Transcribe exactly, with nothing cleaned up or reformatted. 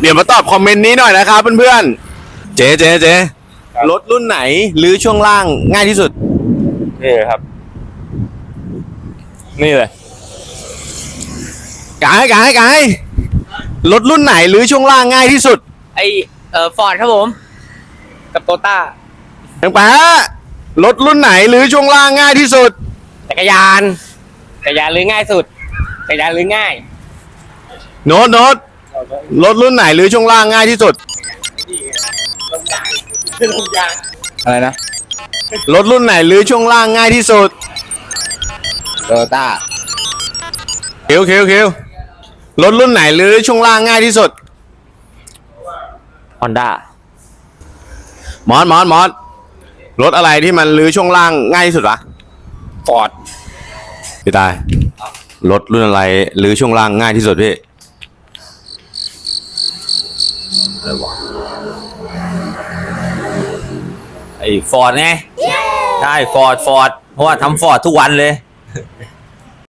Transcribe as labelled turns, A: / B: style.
A: เดี๋ยวมาตอบคอมเมนต์นี้หน่อยนะครับเพื่อนๆเจ๊เจ๊เจ๊รถรุ่นไหนหรือช่วงล่างง่ายที่สุดนี่ครับนี่เลยกายกายกายรถรุ่นไหนหรือช่วงล่างง่ายที่สุด
B: ไอเอ่อฟอร์ดครับผมกับโตต้า
A: แปงแปะรถรุ่นไหนหรือช่วงล่างง่ายที่สุด
B: จักรยานจักรยานหรือง่ายสุดจักรยานหรือง่าย
A: โน้ตโน้ตรถรุ่นไหนหรือช่วงล่างง่ายที่สุด
B: อะไรนะ
A: รถรุ่นไหนหรือช่วงล่างง่ายที่สุด
B: โตต้า
A: เคียวเคียวเคียวรถรุ่นไหนหรือช่วงล่างง่ายที่สุด
B: ฮอนด้าม
A: อสมอสมอสรถอะไรที่มันรื้อช่วงล่างง่ายที่สุดวะ
B: ฟอร์ด
A: พี่ตายรถรุ่นอะไรรื้อช่วงล่างง่ายที่สุดพี่อะไรวะ
B: ไอฟอร์ดไงใช่ฟอร์ดฟอร์ดเพราะว่าทำฟอร์ดทุกวันเลย